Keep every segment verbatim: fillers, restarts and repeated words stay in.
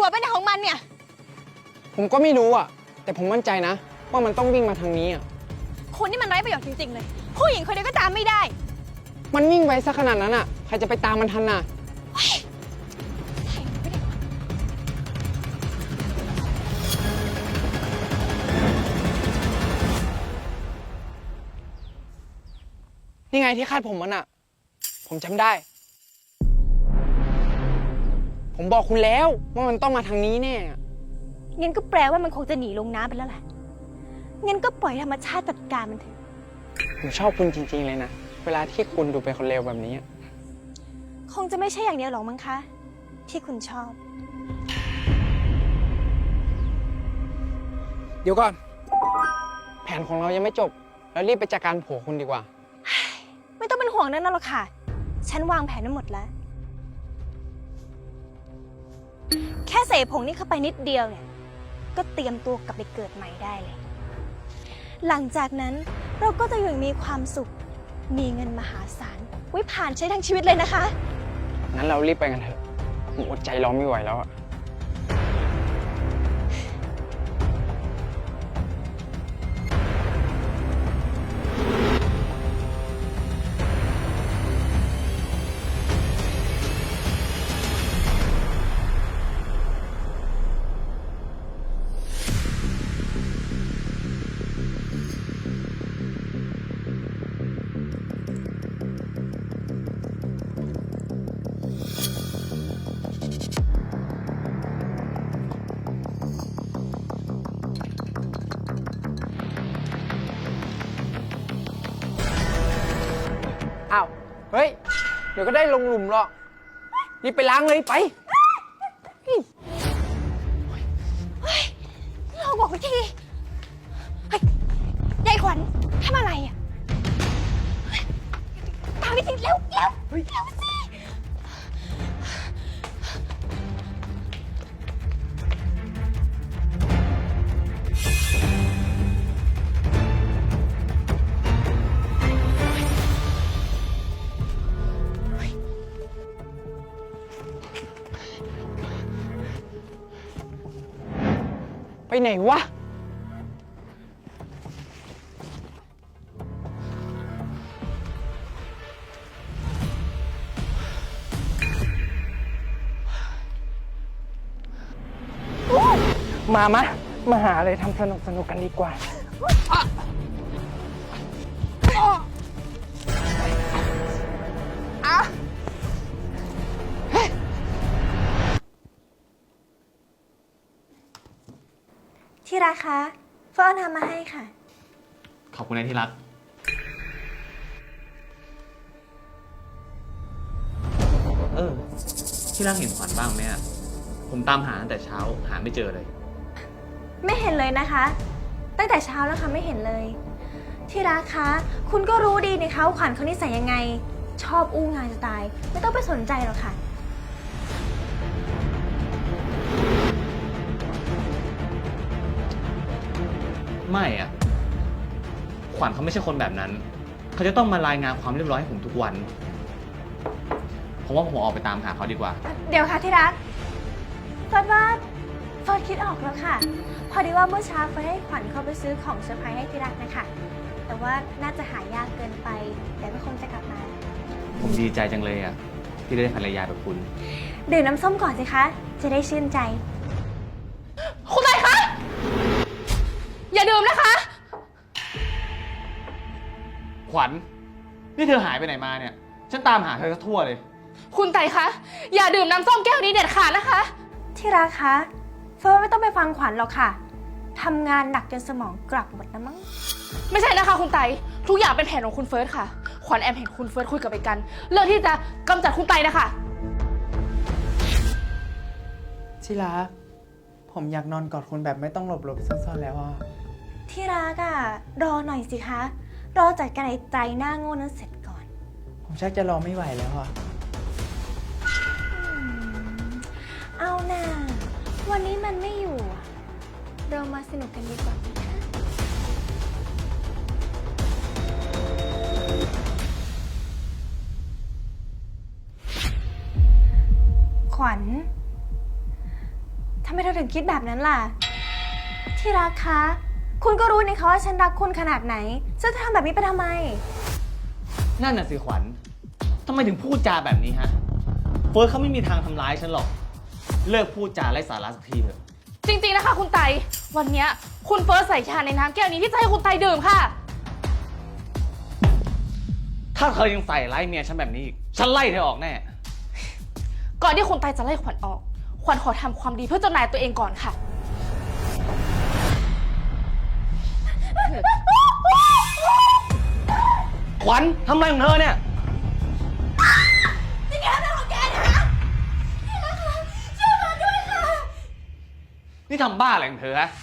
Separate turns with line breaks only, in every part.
อะไปไหนของมันเนี่ย
ผมก็ไม่รู้อ่ะ แต่ผมมั่นใจนะ ว่ามันต้องวิ่งมาทางนี้อ่ะ
คุณนี่มันไร้ประโยชน์จริงๆเลย ผู้หญิงคนเดียวก็ตามไม่ได้
มันวิ่งไวซะขนาดนั้นอ่ะ ใครจะไปตามมันทันน่ะ นี่ไงที่คาดผมมันอ่ะ ผมจำได้ ผมบอกคุณแล้วว่ามันต้องมาทางนี้แน่อะ
งั้นก็แปลว่ามันคงจะหนีลงน้ำไปแล้วแหละ งั้นก็ปล่อยธรรมชาติจัดการมันเถอะ
ผมชอบคุณจริงๆเลยนะ เวลาที่คุณดูเป็นคนเลวแบบนี้อะ
คงจะไม่ใช่อย่างเดียวหรอกมั้งคะ ที่คุณชอบ
เดี๋ยวก่อน แผนของเรายังไม่จบ แล้วรีบไปจัดการผัวคุณดีกว่า
ไม่ต้องเป็นห่วงนั่นหรอกค่ะ ฉันวางแผนไว้หมดแล้ว แค่ใส่ผงนี่เข้าไปนิดเดียวเนี่ย ก็เตรียมตัวกลับไปเกิดใหม่ได้เลย หลังจากนั้นเราก็จะอยู่อย่างมีความสุข มีเงินมหาศาลไว้ผ่านใช้ทั้งชีวิตเลยนะคะ
งั้นเรารีบไปกันเถอะ ผมอดใจรอไม่ไหวแล้วอะ อ้าว เฮ้ย เดี๋ยวก็ได้ลงหลุมหรอก รีบไปล้างเลยไป
เราบอกวิธีเฮ้ยยายขวัญทำอะไรอ่ะเฮ้ยตามวิธีเร็วเร็วเร็วสิ
ไปไหนวะ มามะ มาหาอะไรทำสนุกสนุกกันดีกว่า
ที่รักคะเฟิร์นทำมาให้ค่ะ
ขอบคุณนะที่รัก เออ ที่รักเห็นขวัญบ้างไหมอ่ะ ผมตามหาตั้งแต่เช้าหาไม่เจอเลย
ไม่เห็นเลยนะคะ ตั้งแต่เช้าแล้วค่ะไม่เห็นเลย ที่รักคะ คุณก็รู้ดีนะคะว่าขวัญเขานิสัยยังไง ชอบอู้งานจะตาย ไม่ต้องไปสนใจหรอกค่ะ
ไม่อ่ะ ขวัญเขาไม่ใช่คนแบบนั้น เขาจะต้องมารายงานความเรียบร้อยให้ผมทุกวัน ผมว่าผมออกไปตามหาเขาดีกว่า
เดี๋ยวค่ะที่รักเฟิร์นว่าเฟิร์นคิดออกแล้วค่ะ พอดีว่าเมื่อเช้าเฟิร์นให้ขวัญเข้าไปซื้อของเซอร์ไพรส์ให้ที่รักนะคะ แต่ว่าน่าจะหายากเกินไปเดี๋ยวก็คงจะกลับมา
ผมดีใจจังเลยอ่ะ ที่ได้ภรรยาแบบคุณ
ดื่มน้ำส้มก่อนสิคะ จะได้ชื่นใจ
คุณไตคะ อย่าดื่มนะคะ
ขวัญ นี่เธอหายไปไหนมาเนี่ย ฉันตามหาเธอทั่วเลย
คุณไตคะ อย่าดื่มน้ำส้มแก้วนี้เด็ดขาดนะคะ
ที่รักคะเฟิร์นไม่ต้องไปฟังขวัญหรอกค่ะทำงานหนักจนสมองกลับหมดแล้วมั้ง
ไม่ใช่นะคะคุณไต ทุกอย่างเป็นแผนของคุณเฟิร์สค่ะ ขวัญแอมเห็นคุณเฟิร์สคุยกับไอ้กัน เรื่องที่จะกำจัดคุณไตนะคะ
ที่รัก ผมอยากนอนกอดคุณแบบไม่ต้องหลบหลบซ่อนๆแล้วอ่ะ
ที่รักอะรอหน่อยสิคะ รอจัดการไอ้ใจหน้าโง่นั้นเสร็จก่อน
ผมชักจะรอไม่ไหวแล้วอ่ะ
เอาน่าวันนี้มันไม่อยู่อะเรามาสนุกกันดีกว่าไหมคะขวัญทำไมเธอถึงคิดแบบนั้นล่ะ ที่รักคะ คุณก็รู้นี่คะว่าฉันรักคุณขนาดไหนฉันจะทำแบบนี้ไปทำไม
นั่นน่ะสิขวัญทำไมถึงพูดจาแบบนี้ฮะ เฟิร์สเขาไม่มีทางทำร้ายฉันหรอก เลิกพูดจาไร้สาระสักทีเถอะ
จริงๆนะคะคุณไตวันเนี้ยคุณเฟิร์สใส่ชาในน้ำแก้วนี้ที่จะให้คุณไตดื่มค่ะ
ถ้าเธอยังใส่ร้ายเมียฉันแบบนี้อีกฉันไล่เธอออกแน่
ก่อนที่คุณไตจะไล่ขวัญออก ขวัญขอทำความดีเพื่อเจ้านายตัวเองก่อนค่ะ
ขวัญทำอะไรของเธอเนี่ย
นี่แกเป็นของแกนะนี่นะคะช่วยมาด้วยค่ะ
นี่ทำบ้าอะไรของเธอฮะ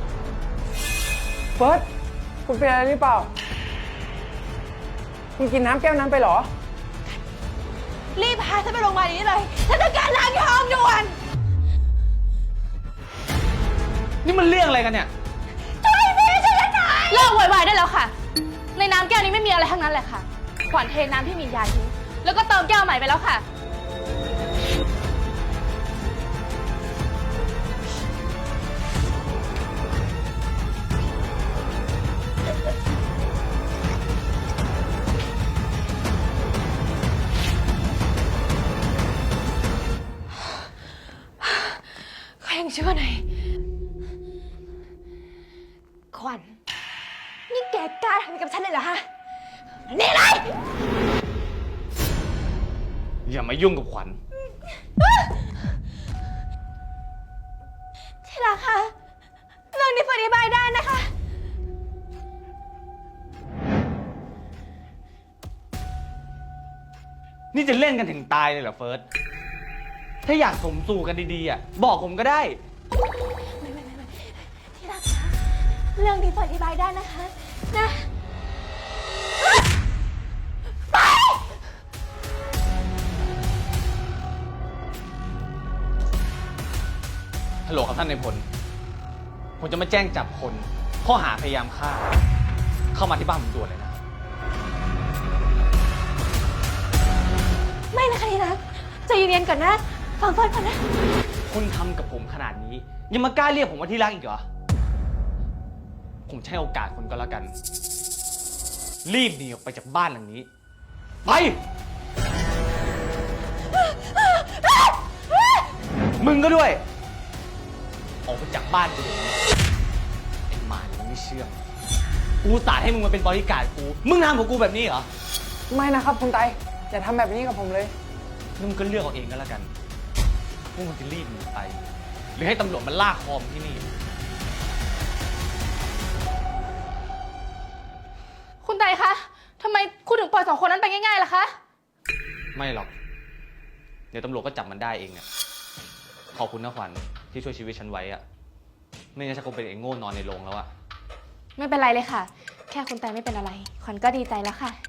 เฟิร์ส คุณเป็นอะไรหรือเปล่า คุณกินน้ำแก้วนั้นไปเหรอ
รีบพาฉันไปโรงพยาบาลนี้เลยฉันต้องการล้างท้องด่วน
นี่มันเรื่องอะไรกันเนี่ย
ช่วยสิช่วยฉันหน่อย
เลิกโวยวายได้แล้วค่ะ ในน้ำแก้วนี้ไม่มีอะไรทั้งนั้นแหละค่ะ ขวัญเทน้ำที่มียาทิ้งแล้วก็เติมแก้วใหม่ไปแล้วค่ะ
เขายังชั่วหน่อยขวัญนี่แกกล้าทำกับฉันเลยเหรอฮะ นี่เลย
อย่ามายุ่งกับขวัญ
ที่รักคะเรื่องนี้อธิบายได้นะคะ
นี่จะเล่นกันถึงตายเลยเหรอเฟิร์ส ถ้าอยากสมสู่กันดีๆอ่ะบอกผมก็ได้
ไม่ไม่ไม่ไม่ที่รักคะเรื่องนี้อธิบายได้นะคะ นะ
ฮัลโหลครับท่านนายพล ผมจะมาแจ้งจับคนข้อหาพยายามฆ่า เข้ามาที่บ้านผมด่วนเลยนะ
ไม่นะคะที่รักใจเย็นๆก่อนนะ ฟังเฟิร์นก่อนนะ
คุณทำกับผมขนาดนี้ ยังมากล้าเรียกผมว่าที่รักอีกเหรอ ผมจะให้โอกาสคุณก็แล้วกัน รีบหนีออกไปจากบ้านหลังนี้ ไป มึงก็ด้วย ออกไปจากบ้านกูเดี๋ยวนี้ไอ้หมายังไม่เชื่อ กูสาดให้มึงมาเป็นบริการดกู มึงทำกับกูแบบนี้เหรอ
ไม่นะครับคุณไต อย่าทำแบบนี้กับผมเลย
นี่มึงก็เลือกเอาเองก็แล้วกันว่ามึงจะรีบหนีไป หรือให้ตำรวจมาลากคอมงที่นี่
คุณไตคะทำไมคุณถึงปล่อยสองคนนั้นไปง่ายๆล่ะคะ
ไม่หรอก เดี๋ยวตำรวจก็จับมันได้เองอะขอบคุณนะขวัญที่ช่วยชีวิตฉันไว้อะไม่งั้นฉันคงเป็นไอ้โง่นอนในโรงแล้วอะ
ไม่เป็นไรเลยค่ะ แค่คุณไตไม่เป็นอะไร ขวัญก็ดีใจแล้วค่ะ